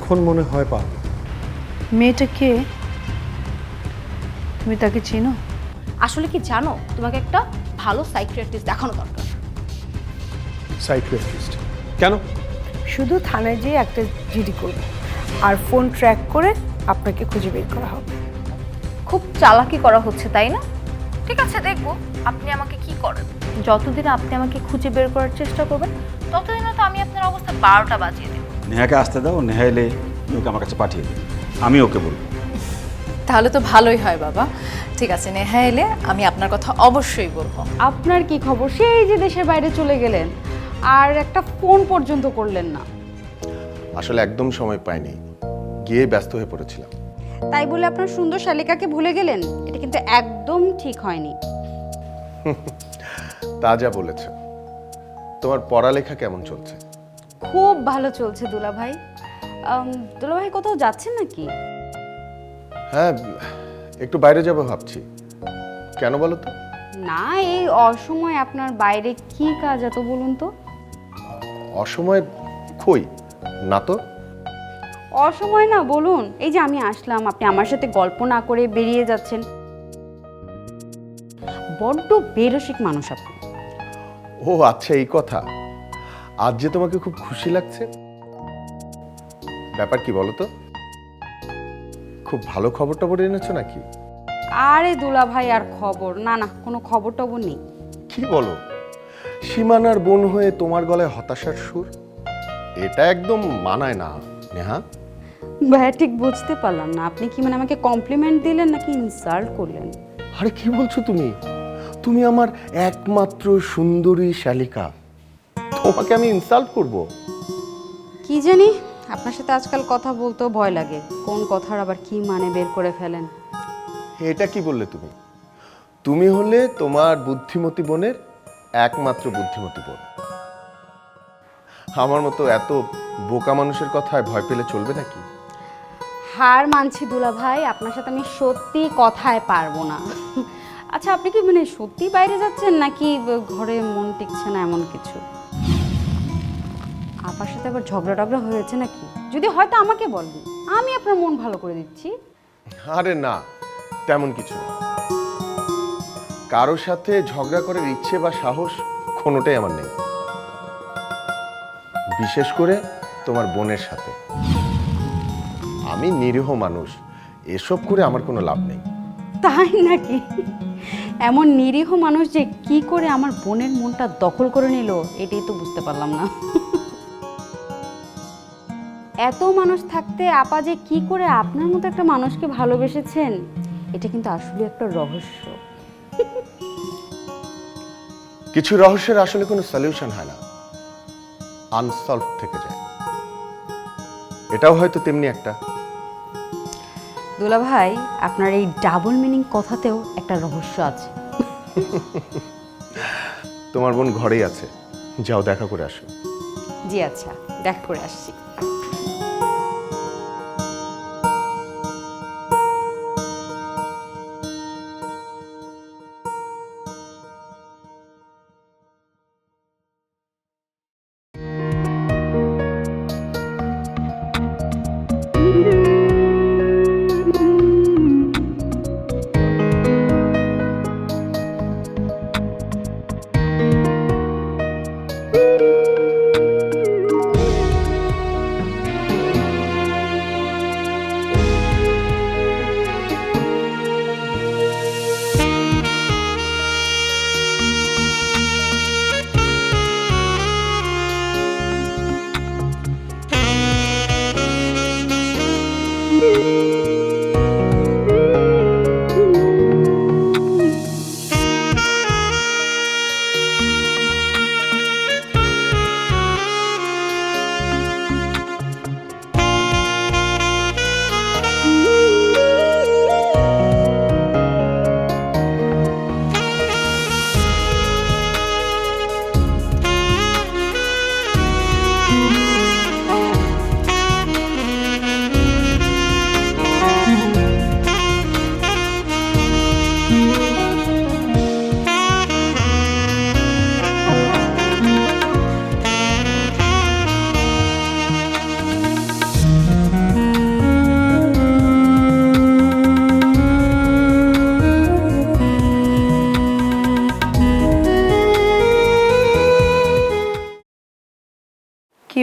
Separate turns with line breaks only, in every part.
এখন মনে হয় পারবো।
মেয়েটা কে? তুমি তাকে চিনো?
আসলে কি জানো, তোমাকে একটা ভালো সাইকিয়াট্রিস্ট দেখানো দরকার।
সাইকিয়াট্রিস্ট? কেন?
শুধু থানায় যেয়ে একটা জিডি করবে আর ফোন ট্র্যাক করে আপনাকে খুঁজে বের করা হবে।
খুব চালাকি করা হচ্ছে তাই না? ঠিক আছে, দেখবো আপনি আমাকে কি করেন। যতদিন আপনি আমাকে খুঁজে বের করার চেষ্টা করবেন ততদিনে তো আমি আপনার অবস্থা 12টা বাজিয়ে দেব।
নেহাকে আসতে দাও, নেহা এলে ওকে আমার কাছে পাঠিয়ে দেবে, আমি ওকে বলবো।
তাহলে তো ভালোই হয় বাবা। ঠিক আছে, নেহা এলে আমি আপনার কথা অবশ্যই বলবো।
আপনার কি খবর? সেই যে দেশের বাইরে চলে গেলেন আর একটা ফোন পর্যন্ত করলেন না।
আসলে একদম সময় পাইনি, গিয়ে ব্যস্ত হয়ে পড়েছিলাম।
তাই বলে আপনার সুন্দর শালিকাকে ভুলে গেলেন? এটা কিন্তু একদম ঠিক হয়নি।
তা যা বলেছে। তোমার পড়ালেখা কেমন চলছে?
খুব ভালো চলছে দুলাভাই। দুলাভাই কোথাও যাচ্ছেন নাকি?
হ্যাঁ, একটু বাইরে যাবো ভাবছি। কেন বলো তো?
না, এই অসময়ে আপনার বাইরে কি কাজ এত বলুন তো?
অসময় কই না তো।
অসময় না বলুন, এই যে আমি আসলাম, আপনি আমার সাথে গল্প না করে বেরিয়ে যাচ্ছেন। বড্ড বেরসিক মানুষ আপনি।
ও আচ্ছা, এই কথা। আজ যে তোমাকে খুব খুশি লাগছে, ব্যাপার কি বলো তো? খুব ভালো খবর টবর এনেছো নাকি?
আরে দুলাভাই, আর খবর? না না, কোনো খবর টবর নেই।
কি বলো? সীমানার বোন হয়ে তোমার গলায় হতাশার সুর? এটা একদম মানায় না নেহা।
ভাইয়া, ঠিক বুঝতে পারলাম না, আপনি কি মানে আমাকে কমপ্লিমেন্ট দিলেন নাকি ইনসাল্ট করলেন?
আরে কি বলছো তুমি? তুমি আমার একমাত্র সুন্দরী শালিকা, তোমাকে আমি ইনসাল্ট করব?
কি জানি, আপনার সাথে আজকাল কথা বলতেও ভয় লাগে, কোন কথার আবার কি মানে বের করে ফেলেন।
এটা কি বললে তুমি? তুমি হলে তোমার বুদ্ধিমতী বোনের একমাত্র বুদ্ধিমতী বোন। আমার মতো এত বোকা মানুষের কথায় ভয় পেলে চলবে নাকি?
হার মানছি দুলাভাই, আপনার সাথে আমি সত্যি কথায় পারবো না। আচ্ছা, আপনি কি মানে সত্যি বাইরে যাচ্ছেন নাকি ঘরে মন টিকছে না এমন কিছু? আপনার সাথে আবার ঝগড়া টগড়া হয়েছে নাকি? যদি হয়তো আমাকে বলবেন, আমি আপনার মন ভালো করে দিচ্ছি।
আরে না, তেমন কিছু না। কারোর সাথে ঝগড়া করার ইচ্ছে বা সাহস কোনোটাই আমার নেই, বিশেষ করে তোমার বোনের সাথে। আমি নিরীহ মানুষ, এসব করে আমার কোনো লাভ নেই।
তাই নাকি? এমন নিরীহ মানুষ যে কি করে আমার বোনের মনটা দখল করে নিল, এটাই তো বুঝতে পারলাম না। এত মানুষ থাকতে আপা যে কি করে আপনার মতো একটা মানুষকে ভালোবেসেছেন, এটা কিন্তু আসলে একটা রহস্য।
কিছু রহস্যের আসলে কোনো সলিউশন হয় না, আনসলভ থেকে যায়। এটাও হয়তো তেমনি একটা।
দুলাভাই, আপনার এই ডাবল মিনিং কথাতেও একটা রহস্য আছে।
তোমার বোন ঘরেই আছে, যাও দেখা করে আসো।
জি আচ্ছা, দেখা করে আসছি।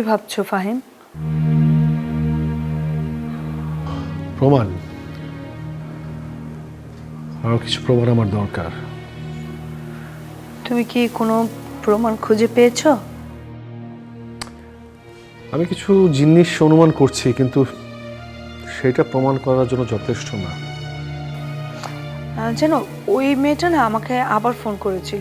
ভাবছো ফাহিম?
প্রমাণ, আরো কিছু প্রমাণ আমার দরকার।
তুমি কি কোনো প্রমাণ খুঁজে পেয়েছো?
আমি কিছু জিনিস অনুমান করছি, কিন্তু সেটা প্রমাণ করার জন্য যথেষ্ট না।
জানো, ওই মেয়েটা না আমাকে আবার ফোন করেছিল।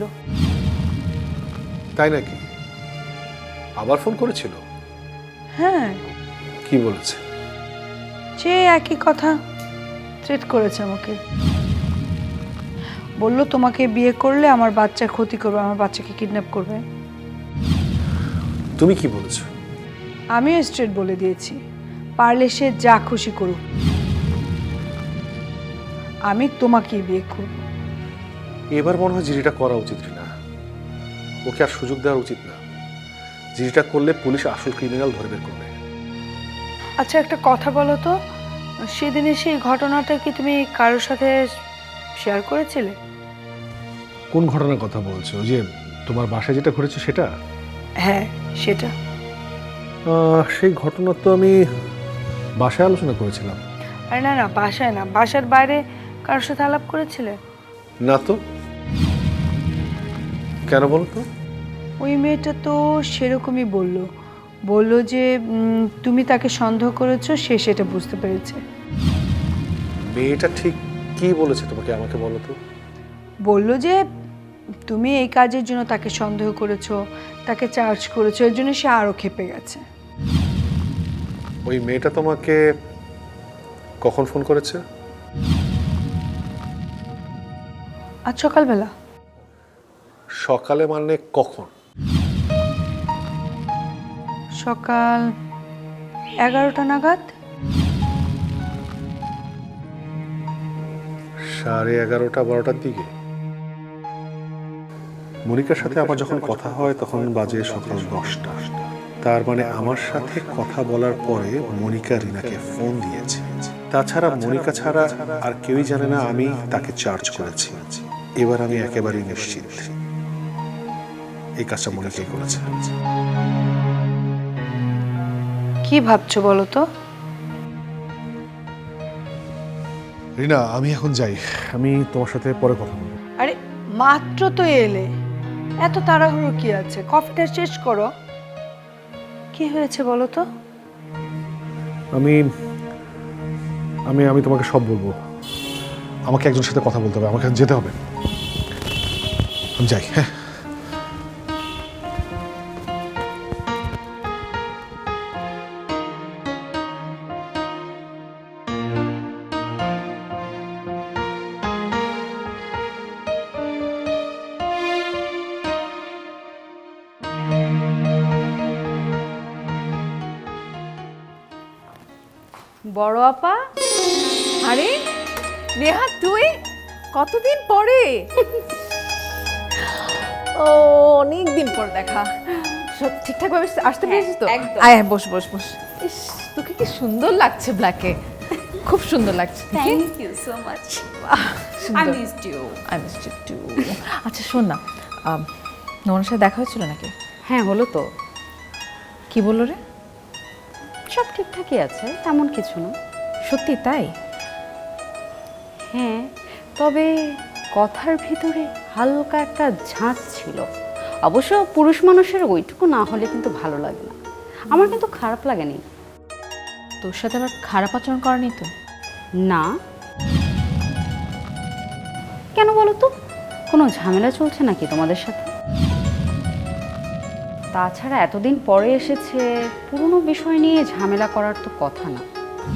তাই নাকি? আবার ফোন করেছিল?
হ্যাঁ,
কি বলেছে?
যে একই কথা, থ্রেট করেছে আমাকে। বলল তোমাকে বিয়ে করলে আমার বাচ্চার ক্ষতি করবে, আমার বাচ্চাকে কিডন্যাপ করবে।
তুমি কি বলেছো?
আমিও স্ট্রেট বলে দিয়েছি, পারলে সে যা খুশি করুক, আমি তোমাকেই বিয়ে করব।
এবার মনে হয় জিরিটা করা উচিত না, ওকে আর সুযোগ দেওয়া উচিত না। জিরিটা করলে পুলিশ আসল ক্রিমিনাল ধরে বের করবে।
আচ্ছা, একটা কথা বলো তো, সেদিনে সেই ঘটনাটা কি তুমি কারোর সাথে শেয়ার করেছিলে?
কোন ঘটনার কথা বলছো? ওই যে তোমার বাসায় যেটা ঘটেছে সেটা?
হ্যাঁ, সেটা।
সেই ঘটনা তো আমি বাসায় আলোচনা করেছিলাম।
আরে না না, বাসায় না, বাসার বাইরে কারোর সাথে আলাপ করেছিলে?
না তো। কেন বলো তো?
ওই মেয়েটা তো সেরকমই বলল যে তুমি তাকে সন্দেহ করেছো, সে সেটা বুঝতে পেরেছে।
মেয়েটা ঠিক কি বলেছে তোমাকে, আমাকে বলো তো।
বলল যে তুমি এই কাজের জন্য তাকে সন্দেহ করেছো, তাকে চার্জ করেছো, এর জন্য সে আরো ক্ষেপে গেছে।
ওই মেয়েটা তোমাকে কখন ফোন করেছে?
আজ সকালবেলা।
সকালে মানে কখন?
সকাল 11টা নাগাদ।
11:30 12টার দিকে। মনিকার সাথে আমার যখন কথা হয় তখন বাজে সকাল 10টা। তার মানে আমার সাথে কথা বলার পরে মনিকা রিনাকে ফোন দিয়েছে। তাছাড়া মনিকা ছাড়া আর কেউই জানে না আমি তাকে চার্জ করেছি। এবার আমি একেবারেই নিশ্চিত এই কাজটা মনিকাই করেছে।
কি ভাবছো বলো তো?
রিনা, আমি এখন যাই, আমি তোমার সাথে পরে কথা বলবো।
আরে মাত্র তো এলে, এত তাড়াহুড়ো কি আছে? কফিটা শেষ করো। কি হয়েছে বলো তো?
আমি আমি আমি তোমাকে সব বলবো। আমাকে একজনের সাথে কথা বলতে হবে, আমাকে যেতে হবে। আমি যাই। হ্যাঁ,
বড় আপা,
আরে নেহা, তুই কতদিন পরে? ও, অনেক দিন পর দেখা। সব ঠিকঠাক ভাবে আসতে পেরেছিস তো?
একদম।
আয় বস বস বস। ইস, তোকে কি সুন্দর লাগছে ব্ল্যাকে, খুব সুন্দর লাগছে।
Thank you so much.
সুন্দর।
I missed you.
I missed you too. আচ্ছা শোন না, নোমানের সাথে দেখা হয়েছিল নাকি?
হ্যাঁ, হলো তো।
কি বললো রে?
সব ঠিকঠাকই আছে, তেমন কিছু না।
সত্যি তাই?
হ্যাঁ, তবে কথার ভিতরে হালকা একটা ঝাঁজ ছিল। অবশ্য পুরুষ মানুষের ওইটুকু না হলে কিন্তু ভালো লাগে না। আমার কিন্তু খারাপ লাগেনি।
তোর সাথে আবার খারাপ আচরণ করেনি তো?
না। কেন বলো তো? কোনো ঝামেলা চলছে নাকি তোমাদের সাথে? তাছাড়া এতদিন পরে এসেছে, পুরনো বিষয় নিয়ে ঝামেলা করার তো কথা না।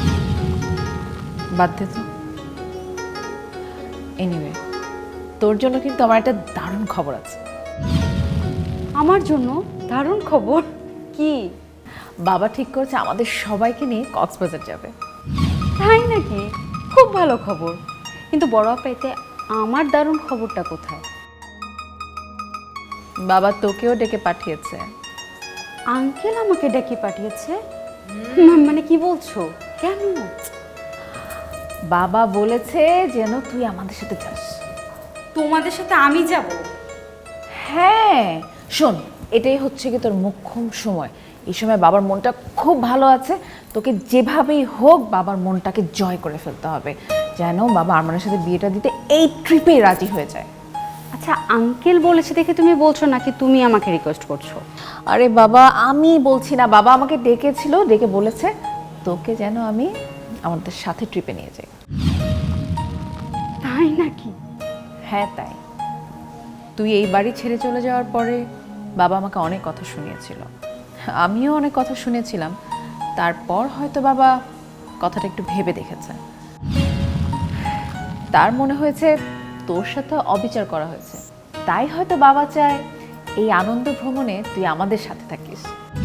বাদ দে তো। এনিওয়ে, তোর জন্য কিন্তু আমার একটা দারুণ খবর আছে।
আমার জন্য দারুণ খবর? কি?
বাবা ঠিক করেছে আমাদের সবাইকে নিয়ে কক্সবাজার যাবে।
তাই নাকি? খুব ভালো খবর। কিন্তু বড় আপা, এতে আমার দারুণ খবরটা কোথায়?
বাবা তোকেও ডেকে পাঠিয়েছে।
আঙ্কেল আমাকে ডেকে পাঠিয়েছে? মানে কি বলছো? কেন?
বাবা বলেছে যেন তুই আমাদের সাথে যাস।
তোমাদের সাথে আমি যাব?
হ্যাঁ শোন, এটাই হচ্ছে কি তোর মোক্ষম সময়।
এই সময় বাবার মনটা খুব ভালো আছে, তোকে যেভাবেই হোক বাবার মনটাকে জয় করে ফেলতে হবে, যেন বাবা আরমানের সাথে বিয়েটা দিতে এই ট্রিপে রাজি হয়ে যায়।
আচ্ছা আঙ্কেল বলেছে দেখে তুমি বলছো নাকি তুমি আমাকে রিকোয়েস্ট করছো?
আরে বাবা আমি বলছি না, বাবা আমাকে ডেকেছিল, ডেকে বলেছে তোকে যেন আমি আমাদের সাথে ট্রিপে নিয়ে যাই।
তাই নাকি?
হ্যাঁ তাই। তুই এই বাড়ি ছেড়ে চলে যাওয়ার পরে বাবা আমাকে অনেক কথা শুনিয়েছিল, আমিও অনেক কথা শুনেছিলাম। তারপর হয়তো বাবা কথাটা একটু ভেবে দেখেছে, তার মনে হয়েছে তোর সাথে অবিচার করা হয়েছে, তাই হয়তো বাবা চায় এই আনন্দ ভ্রমণে তুই আমাদের সাথে থাকিস।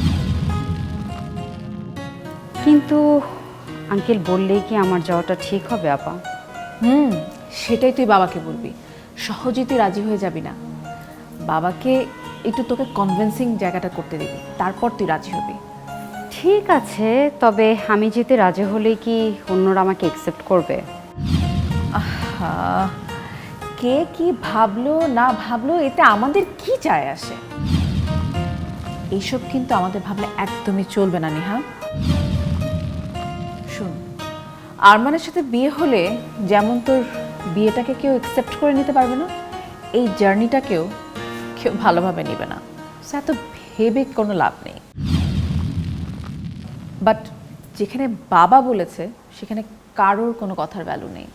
কিন্তু আঙ্কেল বললেই কি আমার যাওয়াটা ঠিক হবে আপা?
সেটাই তুই বাবাকে বলবি, সহজেই তুই রাজি হয়ে যাবি না। বাবাকে একটু তোকে কনভিন্সিং জায়গাটা করতে দিবি, তারপর তুই রাজি হবি।
ঠিক আছে, তবে আমি যেতে রাজি হলেই কি অন্যরা আমাকে অ্যাকসেপ্ট করবে?
আহা, কে কি ভাবলো না ভাবলো এতে আমাদের কি যায় আসে? এইসব কিন্তু আমাদের ভাবলে একদমই চলবে না নেহা। শুন, আরমানের সাথে বিয়ে হলে যেমন তোর বিয়েটাকে কেউ অ্যাকসেপ্ট করে নিতে পারবে না, এই জার্নিটাকেও কেউ ভালোভাবে নেবে না। এত ভেবে কোনো লাভ নেই। বাট যেখানে বাবা বলেছে সেখানে কারোর কোনো কথার ভ্যালু নেই,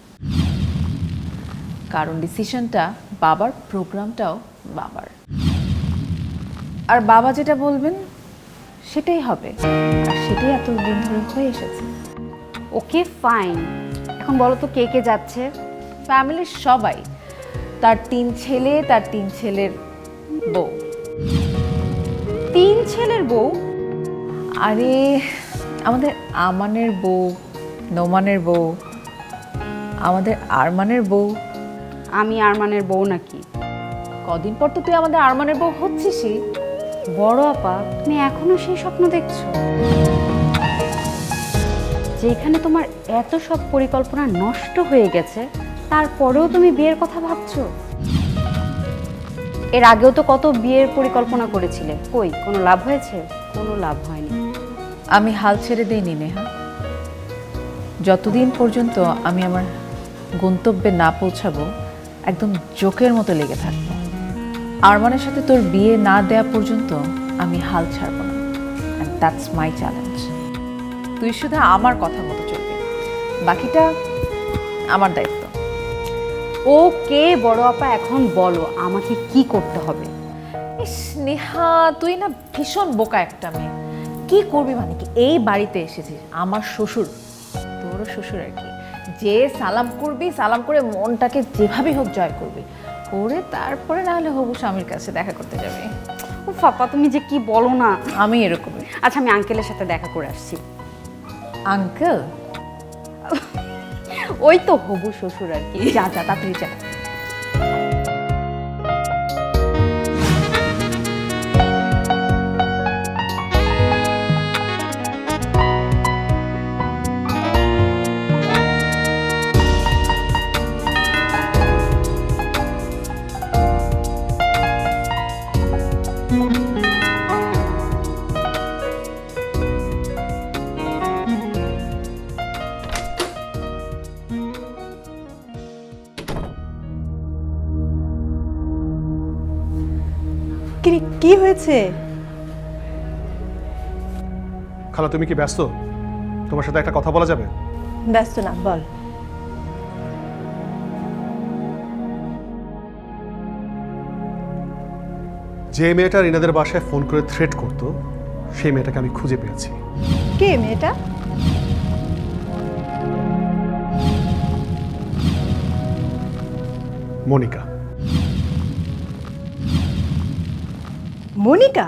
কারণ ডিসিশনটা বাবার, প্রোগ্রামটাও বাবার। আর বাবা যেটা বলবেন সেটাই হবে, আর সেটাই এতদিন ধরে হয়ে এসেছে।
ওকে ফাইন, এখন বলো তো কে কে যাচ্ছে?
ফ্যামিলির সবাই, তার 3 ছেলে, তার 3 ছেলের বউ।
3 ছেলের বউ?
আরে আমাদের আমানের বউ, নোমানের বউ, আমাদের আরমানের বউ।
আমি আরমানের বউ নাকি?
কদিন পর তো তুই আমাদের আরমানের বউ হচ্ছিসই।
বড় আপা, তুমি এখনো সেই স্বপ্ন দেখছো? যেখানে তোমার এত সব পরিকল্পনা নষ্ট হয়ে গেছে, তারপরেও তুমি বিয়ের কথা ভাবছো? এর আগেও তো কত বিয়ের পরিকল্পনা করেছিলে, কই কোনো লাভ হয়েছে? কোনো লাভ হয়নি।
আমি হাল ছেড়ে দেইনি নেহা, যতদিন পর্যন্ত আমি আমার গন্তব্যে না পৌঁছাবো একদম জোকের মতো লেগে থাকবো। আরমানের সাথে তোর বিয়ে না দেয়া পর্যন্ত আমি হাল ছাড়বো না, অ্যান্ড দ্যাটস মাই চ্যালেঞ্জ। তুই শুধু আমার কথা মতো চলবি, বাকিটা আমার দায়িত্ব।
ওকে বড় আপা, এখন বলো আমাকে কি করতে হবে?
ইস নেহা, তুই না ভীষণ বোকা একটা মেয়ে। কি করবি মানে কি? এই বাড়িতে এসেছিস, আমার শ্বশুর, তোরও শ্বশুর আর কি, যে সালাম করবি, সালাম করে মনটাকে যেভাবেই হোক জয় করবি, করে তারপরে না হলে হবু স্বামীর কাছে দেখা করতে যাবি।
ও পাপা, তুমি যে কি বলো না।
আমি এরকমই।
আচ্ছা আমি আঙ্কেলের সাথে দেখা করে আসছি।
আঙ্কেল?
ওই তো হবু শ্বশুর আর কি।
যা যা তাড়াতাড়ি যা।
কি হয়েছে?
খালা তুমি কি ব্যস্ত? তোমার সাথে একটা কথা বলা যাবে?
ব্যস্ত না, বল।
যে মেয়েটা রিনাদের বাসায় ফোন করে থ্রেট করতো, সেই মেয়েটাকে আমি খুঁজে পেয়েছি।
কে মেয়েটা?
মনিকা।
মনিকা?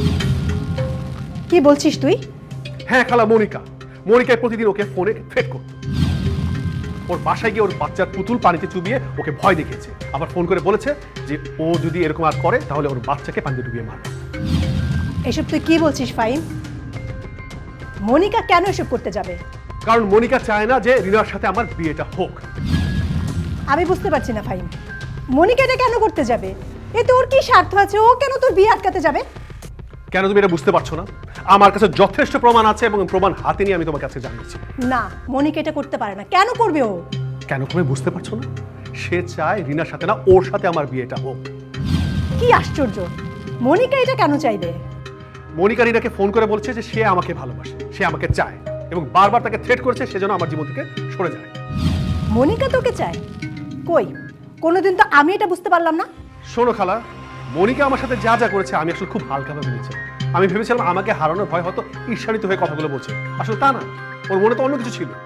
কি বলছিস তুই?
হ্যাঁ খালা, মনিকা। মনিকায় প্রতিদিন ওকে ফোনে থ্রেট করতো। ওর বাসায় গিয়ে ওর বাচ্চার পুতুল পানিতে চুবিয়ে ওকে ভয় দেখিয়েছে, আবার ফোন করে বলেছে যে ও যদি এরকম আর করে তাহলে ওর বাচ্চাকে পানিতে ডুবিয়ে মারবে।
এসব তুই কি বলছিস ফাইন? মনিকা কেন এসব করতে যাবে?
কারণ মনিকা চায় না যে রিনার সাথে আমার বিয়েটা হোক।
আমি বুঝতে পারছি না ফাইন, মনিকা এটা কেন করতে যাবে? এতে ওর কি স্বার্থ আছে? ও কেন তোর বিয়ে আটকাতে যাবে?
কেন তুমি এটা বুঝতে পারছো না? আমার কাছে যথেষ্ট প্রমাণ আছে এবং প্রমাণ হাতে নিয়ে আমি তোমার কাছে জানিয়েছি।
না, মনিকা এটা করতে পারে না। কেন করবে ও?
কেন তুমি বুঝতে পারছো না? সে চায় রিনার সাথে না ওর সাথে আমার বিয়েটা হোক।
কি আশ্চর্য, মনিকা এটা কেন চাইবে?
মনিকা রিনাকে ফোন করে বলছে যে সে আমাকে ভালোবাসে, সে আমাকে চায় এবং বারবার তাকে থ্রেট করেছে সেজন্য আমার জীবন থেকে সরে যায়।
মনিকা তোকে চায়? কই, কোনোদিন তো আমি এটা বুঝতে পারলাম না।
শোনো খালা, মনিকা আমার সাথে যা যা করেছে আমি আসলে খুব হালকাভাবে নিয়েছি। আমি ভেবেছিলাম আমাকে হারানোর ভয় হয়তো ঈর্ষান্বিত হয়ে কথাগুলো বলছে, আসলে তা না। ওর মনে তো অন্য কিছু ছিল।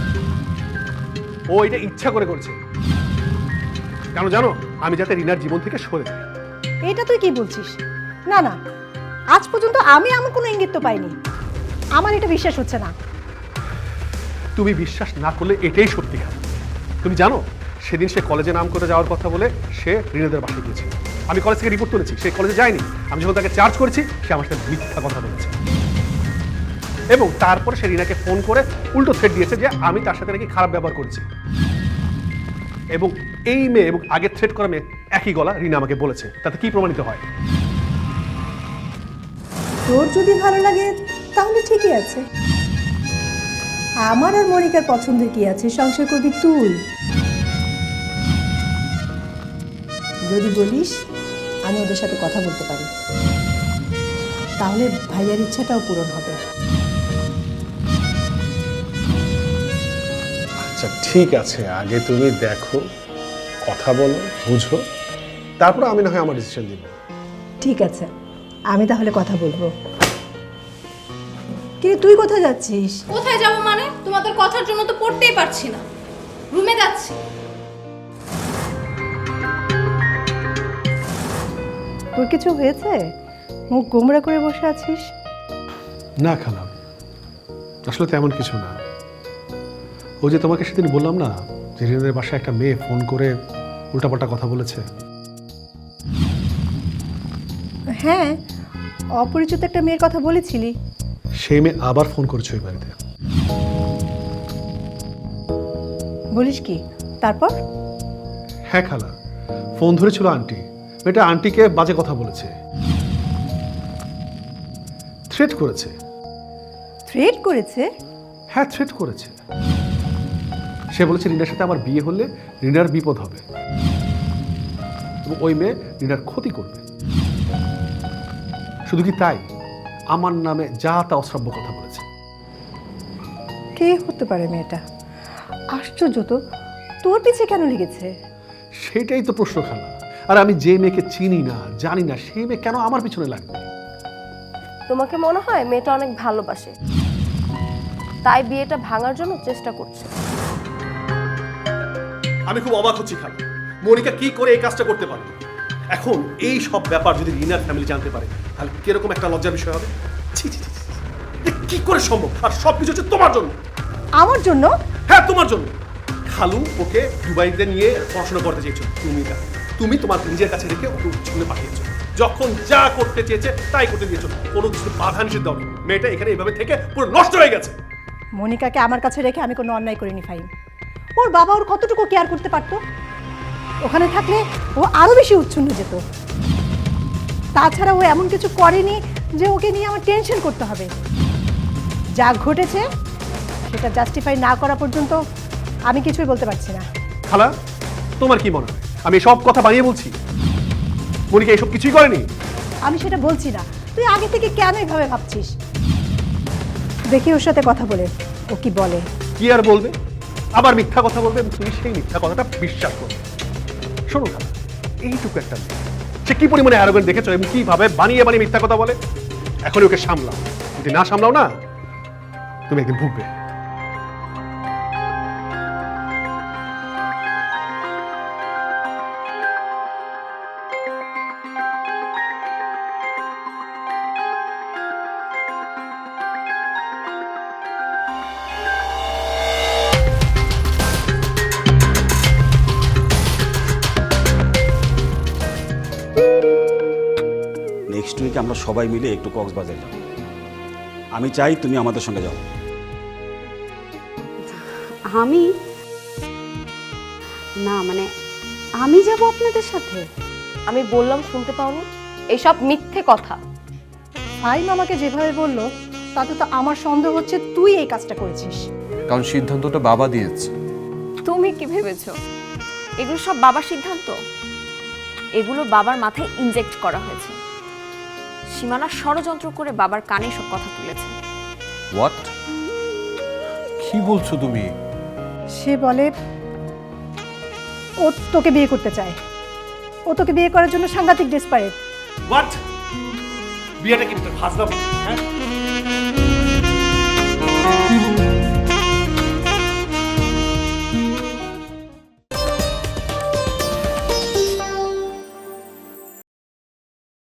ও এটা ইচ্ছা করে করেছে। কেন জানো? আমি যাতে রিনার জীবন থেকে সরে যাই।
এটা তুই কি বলছিস? না না, আজ পর্যন্ত আমি এমন কোনো ইঙ্গিত তো পাইনি। আমার এটা বিশ্বাস হচ্ছে না।
তুমি বিশ্বাস না করলে এটাই সত্যি খালা। তুমি জানো সেদিন সে কলেজে নাম করে যাওয়ার কথা বলে সে রিনাদের বাসায় গিয়েছিল। আমি কলেজ থেকে রিপোর্ট করেছি, সে কলেজে যায়নি। আমি যখন তাকে চার্জ করেছি সে আমার সাথে মিথ্যা কথা বলেছে এবং তারপরে সে রিনাকে ফোন করে উল্টো থ্রেট দিয়েছে যে আমি তার সাথে নাকি খারাপ ব্যবহার করেছি। এবং এই মেয়ে এবং আগে থ্রেট করা মেয়ে একই গলা রিনা আমাকে বলেছে। তাতে কি প্রমাণিত হয়?
তোর যদি ভালো লাগে তাহলে ঠিকই আছে। আমার আর মনিকার পছন্দের কি আছে? সংসার করবি তুই। যদি বলিস আমি ওদের সাথে কথা বলতে পারি, তাহলে ভাইয়ার ইচ্ছাটাও পূরণ হবে।
আচ্ছা ঠিক আছে, আগে তুমি দেখো, কথা বলো, বুঝো, তারপর আমি না হয় আমার ডিসিশন দিব।
ঠিক আছে, আমি তাহলে কথা বলবো। কিন্তু তুই কোথায় যাচ্ছিস?
কোথায় যাব মানে? তোমাদের কথার জন্য তো পড়তেই পারছি না, রুমে যাচ্ছি।
তোর কিছু হয়েছে? মুখ গোমড়া করে বসে আছিস।
না খালা, আসলে তেমন কিছু না। ও যে তোমাকে সেদিন বললাম না যে রিনাদের বাসায় একটা মেয়ে ফোন করে উল্টাপাল্টা কথা বলেছে।
হ্যাঁ, অপরিচিত একটা মেয়ের কথা বলেছিলি।
সেই মেয়ে আবার ফোন করেছে ওই বাড়িতে।
বলিস কি? তারপর?
হ্যাঁ খালা, ফোন ধরেছিল আন্টি। মেয়েটা আন্টিকে বাজে কথা বলেছে, থ্রেট করেছে।
থ্রেট করেছে?
হ্যাঁ থ্রেট করেছে। সে বলেছে রিনার সাথে আমার বিয়ে হলে রিনার বিপদ হবে এবং ওই মেয়ে রিনার ক্ষতি করবে। শুধু কি তাই, আমার নামে যা তা অশ্রাব্য কথা বলেছে।
কে হতে পারে মেয়েটা? আশ্চর্য তো, তোর পিছে কেন লেগেছে?
সেটাই তো প্রশ্ন খালা। আর আমি যে মেয়েকে চিনি না জানি না সেই মেয়ে কেন আমার পিছনে লাগবে?
তোমাকে মনে হয় মেয়েটা অনেক ভালোবাসে, তাই বিয়েটা ভাঙার জন্য চেষ্টা করছে।
আমি খুব অবাক হচ্ছি খালা, মনিকা কি করে এই কাজটা করতে পারে? এখন এই সব ব্যাপার যদি রিনার ফ্যামিলি জানতে পারে তাহলে কিরকম একটা লজ্জার বিষয় হবে। ছি ছি ছি ছি, এ কি করে সম্ভব? আর সবকিছু হচ্ছে তোমার জন্য।
আমার জন্য?
হ্যাঁ তোমার জন্য। খালু ওকে দুবাইতে নিয়ে পড়াশোনা করতে চেয়েছো, তুমি তোমার নিজের কাছে রেখে ওকে উচ্চলে পাঠিয়েছো। যখন যা করতে চেয়েছে তাই করতে দিয়েছো, কোনো কিছু বাধা নিষেধ দাও। মেয়েটা এখানে এইভাবে থেকে পুরো নষ্ট হয়ে গেছে।
মনিকাকে আমার কাছে রেখে আমি কোনো অন্যায় করিনি ফাহিম। ওর বাবা ওর কতটুকু কেয়ার করতে পারতো? ওখানে থাকলে ও আরো বেশি উচ্ছন্ন যেত। তাছাড়া ও এমন কিছু করেনি যে ওকে নিয়ে আমার টেনশন করতে হবে। যা ঘটেছে সেটা জাস্টিফাই না করা পর্যন্ত আমি কিছুই বলতে পারছি না।
খালা, তোমার কি মনে হয় আমি সব কথা বানিয়ে বলছি? মনিকা এসব কিছুই করেনি।
আমি সেটা বলছি না, তুই আগে থেকে কেন এভাবে ভাবছিস? দেখি ওর সাথে কথা বলে ও কি বলে।
কি আর বলবে? আবার মিথ্যা কথা বলবে এবং তুমি সেই মিথ্যা কথাটা বিশ্বাস করবে। শোনো খালা, এইটুকু একটা মেয়ে, সে কি পরিমাণে অ্যারোগেন্ট দেখেছো এবং কিভাবে বানিয়ে বানিয়ে মিথ্যা কথা বলে। এখন ওকে সামলাও, যদি না সামলাও না তুমি একদিন ভুগবে।
নেক্সট উইক আমরা সবাই মিলে একটু কক্সবাজার যাব। আমি চাই তুমি আমাদের সঙ্গে যাও।
আমি না, মানে আমি যাব আপনাদের সাথে?
আমি বললাম শুনতে পাওনি? এইসব মিথ্যে কথা।
ফাইম আমাকে যেভাবে বললো তাতে তো আমার সন্দেহ হচ্ছে তুই এই কাজটা করেছিস।
কারণ সিদ্ধান্তটা বাবা দিয়েছে।
তুমি কি ভেবেছো এগুলো সব বাবার সিদ্ধান্ত? এগুলো বাবার মাথায় ইনজেক্ট করা হয়েছে। সীমানা ষড়যন্ত্র করে বাবার কানে সব কথা তুলেছে।
হোয়াট? কি বলছো তুমি?
সে বলে ও তোকে বিয়ে করতে চায়, ও তোকে বিয়ে করার জন্য সাংঘাতিক ডেসপারেট।
হোয়াট? বিয়েটা কি ফাজলাম? হ্যাঁ,